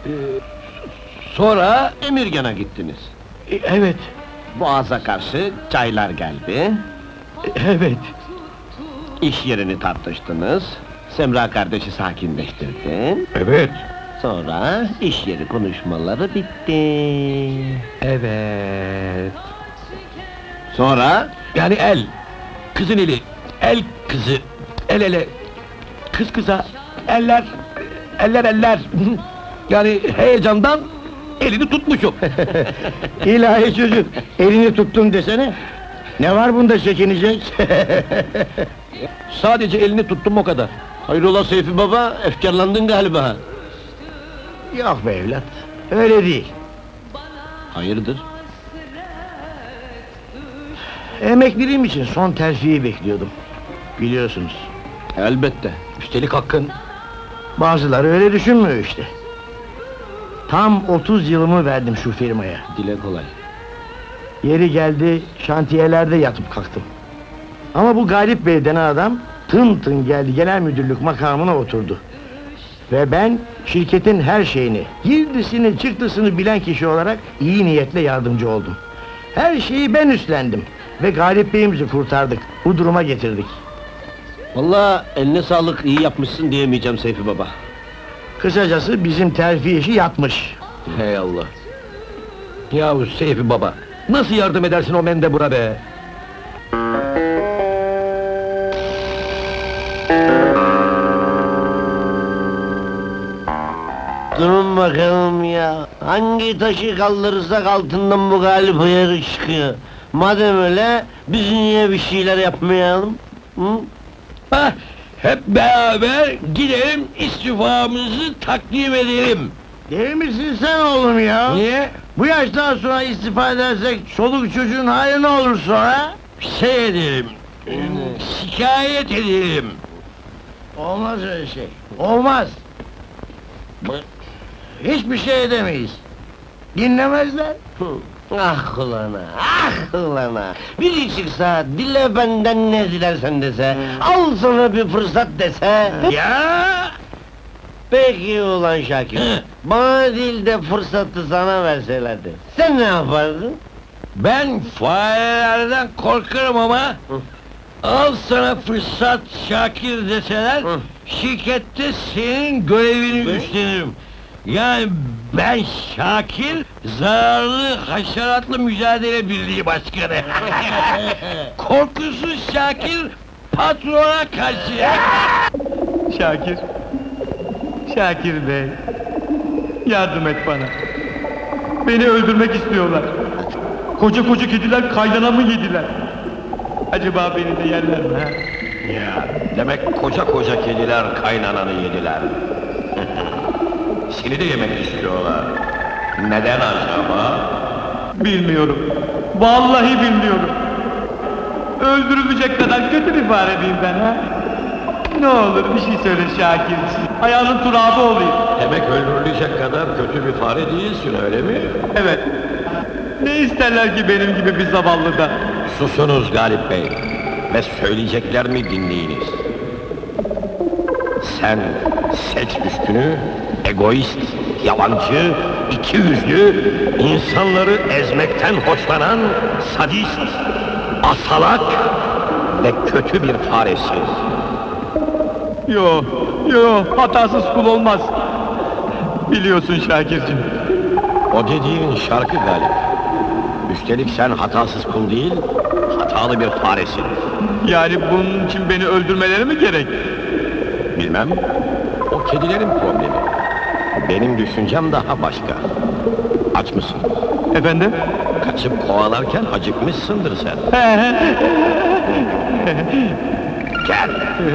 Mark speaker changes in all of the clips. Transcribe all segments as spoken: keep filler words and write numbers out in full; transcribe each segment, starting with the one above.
Speaker 1: Sonra...
Speaker 2: Emirgan'a gittiniz.
Speaker 1: e, Evet,
Speaker 2: Boğaz'a karşı çaylar geldi.
Speaker 1: evet.
Speaker 2: İş yerini tartıştınız. Semra kardeşi sakinleştirdi.
Speaker 1: Evet.
Speaker 2: Sonra iş yeri konuşmaları bitti.
Speaker 1: Evet.
Speaker 2: Sonra
Speaker 1: Yani el, kızın eli, el kızı, el ele, kız kıza, eller, eller eller. Yani heyecandan elini tutmuşum.
Speaker 3: İlahi çocuk, elini tuttum desene. Ne var bunda çekinecek?
Speaker 1: Sadece elini tuttum o kadar.
Speaker 2: hayrola Seyfi baba, efkarlandın galiba.
Speaker 3: Yok be evlat, öyle değil.
Speaker 2: Hayırdır?
Speaker 3: Emekliliğim için son terfiyi bekliyordum. Biliyorsunuz.
Speaker 2: Elbette.
Speaker 1: Üstelik hakkın.
Speaker 3: Bazıları öyle düşünmüyor işte. Tam otuz yılımı verdim şu firmaya.
Speaker 2: Dile kolay.
Speaker 3: Yeri geldi, şantiyelerde yatıp kalktım. Ama bu Galip Bey denen adam, tın tın geldi, genel müdürlük makamına oturdu. Ve ben, şirketin her şeyini, girdisini, çıktısını bilen kişi olarak iyi niyetle yardımcı oldum. Her şeyi ben üstlendim. Ve Galip Bey'imizi kurtardık, bu duruma getirdik.
Speaker 2: Vallahi eline sağlık, iyi yapmışsın diyemeyeceğim Seyfi baba.
Speaker 3: Kısacası bizim terfi işi yatmış.
Speaker 1: Hey Allah! Yahu Seyfi baba, nasıl yardım edersin o mendebura be?
Speaker 2: Durun bakalım ya, hangi taşı kaldırırsak altından bu Galip ayarı çıkıyor. Madem öyle, biz niye bir şeyler yapmayalım? Hı?
Speaker 1: Hah, hep beraber gidelim istifamızı takdim edelim.
Speaker 3: Değil misin sen oğlum ya?
Speaker 1: Niye?
Speaker 3: Bu yaştan sonra istifa edersek çoluk çocuğun hali ne olur sonra?
Speaker 1: Şey edelim, şikayet edelim.
Speaker 3: Olmaz öyle şey. Olmaz. Hiçbir şey edemeyiz. Dinlemezler.
Speaker 2: Ah ulana, ah ulana! Biri çıksa, dile benden ne dilersen dese, al sana bir fırsat dese...
Speaker 1: Ya!
Speaker 2: Peki ulan Şakir,
Speaker 1: Hı.
Speaker 2: bana değil de fırsatı sana verselerdi, sen ne yapardın?
Speaker 1: Ben farelerden korkarım ama...
Speaker 2: Hı.
Speaker 1: Al sana fırsat Şakir deseler,
Speaker 2: Hı.
Speaker 1: şirkette senin görevini
Speaker 2: Ne?
Speaker 1: üstlenirim. Yani ben Şakir, zararlı haşeratlı mücadele birliği başkanı. Korkusuz Şakir, patrona karşı.
Speaker 4: Şakir, Şakir Bey, yardım et bana. Beni öldürmek istiyorlar. Koca koca kediler kaynanamı yediler. Acaba beni de yerler mi ha?
Speaker 5: Ya, demek koca koca kediler kaynananı yediler. Seni de yemek istiyorlar. Neden acaba?
Speaker 4: Bilmiyorum. Vallahi bilmiyorum. Öldürülecek kadar kötü bir fare miyim ben ha? Ne olur bir şey söyle Şakirciğim. Ayağının turabı olayım.
Speaker 5: Demek öldürülecek kadar kötü bir fare değilsin, öyle mi?
Speaker 4: Evet. Ne isterler ki benim gibi bir zavallıdan?
Speaker 5: Susunuz Galip Bey ve söyleyeceklerimi dinleyiniz. Sen seç üstünü, egoist, yalancı, iki yüzlü, insanları ezmekten hoşlanan sadist, asalak ve kötü bir faresin.
Speaker 4: Yo, yo, hatasız kul olmaz. Biliyorsun Şakirciğim.
Speaker 5: O dediğin şarkı Galip. Üstelik sen hatasız kul değil, hatalı bir faresin.
Speaker 4: Yani bunun için beni öldürmeleri mi gerek?
Speaker 5: Bilmem, o kedilerin problemi. Benim düşüncem daha başka. Aç mısın?
Speaker 4: Efendim?
Speaker 5: Kaçıp kovalarken acıkmışsındır sen. Gel!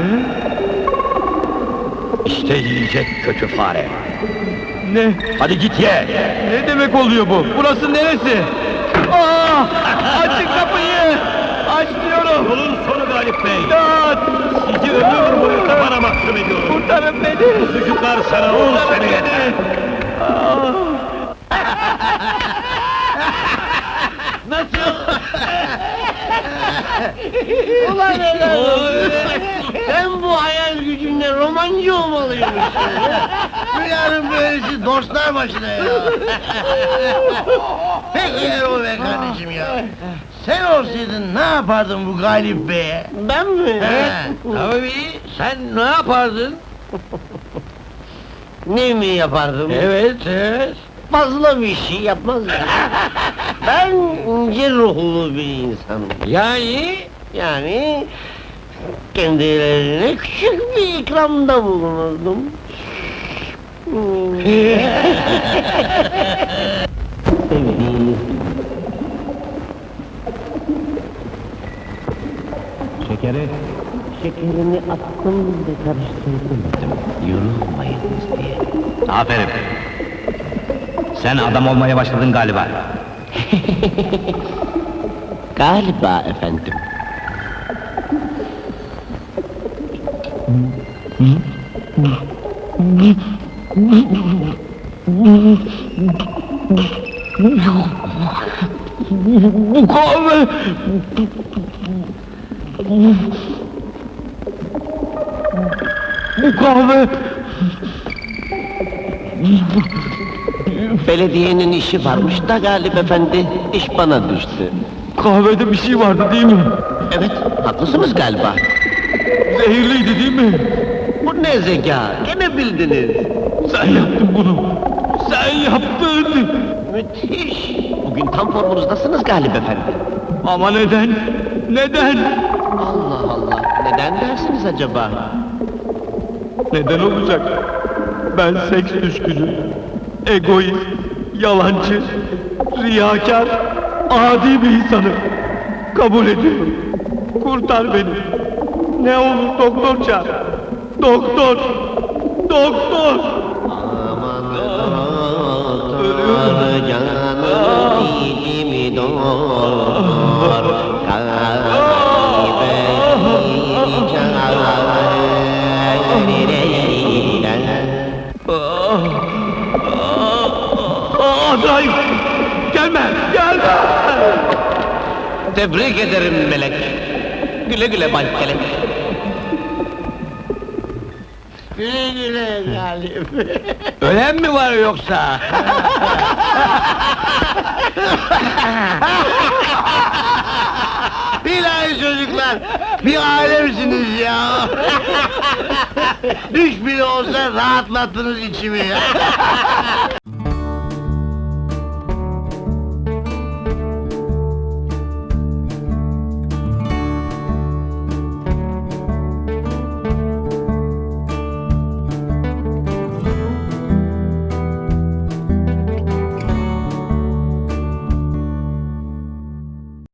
Speaker 5: İşte yiyecek kötü fare.
Speaker 4: Ne?
Speaker 5: Hadi git ye!
Speaker 4: Ne demek oluyor bu? Burası neresi? Aa! Açın kapıyı! Aç diyorum!
Speaker 5: Yolun sonu Galip Bey!
Speaker 4: İmdat!
Speaker 5: Sizi ömür boyu kafana mahkum ediyorum!
Speaker 4: Kurtarın beni!
Speaker 5: Bu sucuklar sana ol
Speaker 4: Kurtarın
Speaker 5: seni!
Speaker 4: beni! Aa!
Speaker 2: Ulan helal olsun! Sen bu hayal gücünle romancı olmalıymışsın ya! Dünyanın böylesi dostlar başına ya. Peki Erol Bey kardeşim ya. Sen olsaydın ne yapardın bu Galip Bey'e?
Speaker 6: Ben mi?
Speaker 2: Evet.
Speaker 1: Tabii, sen ne yapardın?
Speaker 6: Ne mi yapardım?
Speaker 1: Evet, evet.
Speaker 6: Fazla bir şey yapmazdım. Ben ince ruhlu bir insanım.
Speaker 1: Yani...
Speaker 6: Yani kendilerine küçük bir ikramda bulunurdum. Hmm. Sevdiğiniz
Speaker 1: Şekeri...
Speaker 6: şekerini attım ve karıştırdım.
Speaker 1: Yorulmayınız diye. Aferin. Sen adam olmaya başladın galiba.
Speaker 6: Galiba efendim.
Speaker 1: Bu kahve... Bu kahve...
Speaker 6: Belediyenin işi varmış da Galip efendi, iş bana düştü.
Speaker 1: Kahvede bir şey vardı değil mi?
Speaker 6: Evet, haklısınız galiba.
Speaker 1: Zehirliydi değil mi?
Speaker 6: Bu ne zeka, gene bildiniz.
Speaker 1: Sen yaptın bunu. Sen yaptın.
Speaker 6: Müthiş! Bugün tam formunuzdasınız Galip efendi.
Speaker 1: Ama neden? Neden?
Speaker 6: Allah Allah, neden dersiniz acaba?
Speaker 1: Neden olacak? Ben seks düşkünü, egoist, yalancı, riyakar, adi bir insanım. Kabul ediyorum. Kurtar beni. Ne olur doktor çağır. Doktor! Doktor!
Speaker 6: Aman doktor, canım dilimi doktor, kalbime
Speaker 1: Azrail! Gelme! Gelme!
Speaker 6: Tebrik ederim melek. Güle güle Bay Kelek.
Speaker 2: Güle güle Galip.
Speaker 1: Ölen mi var yoksa?
Speaker 2: Bilahi çocuklar, bir aile misiniz ya? Üç bile olsa rahatlattınız içimi ya.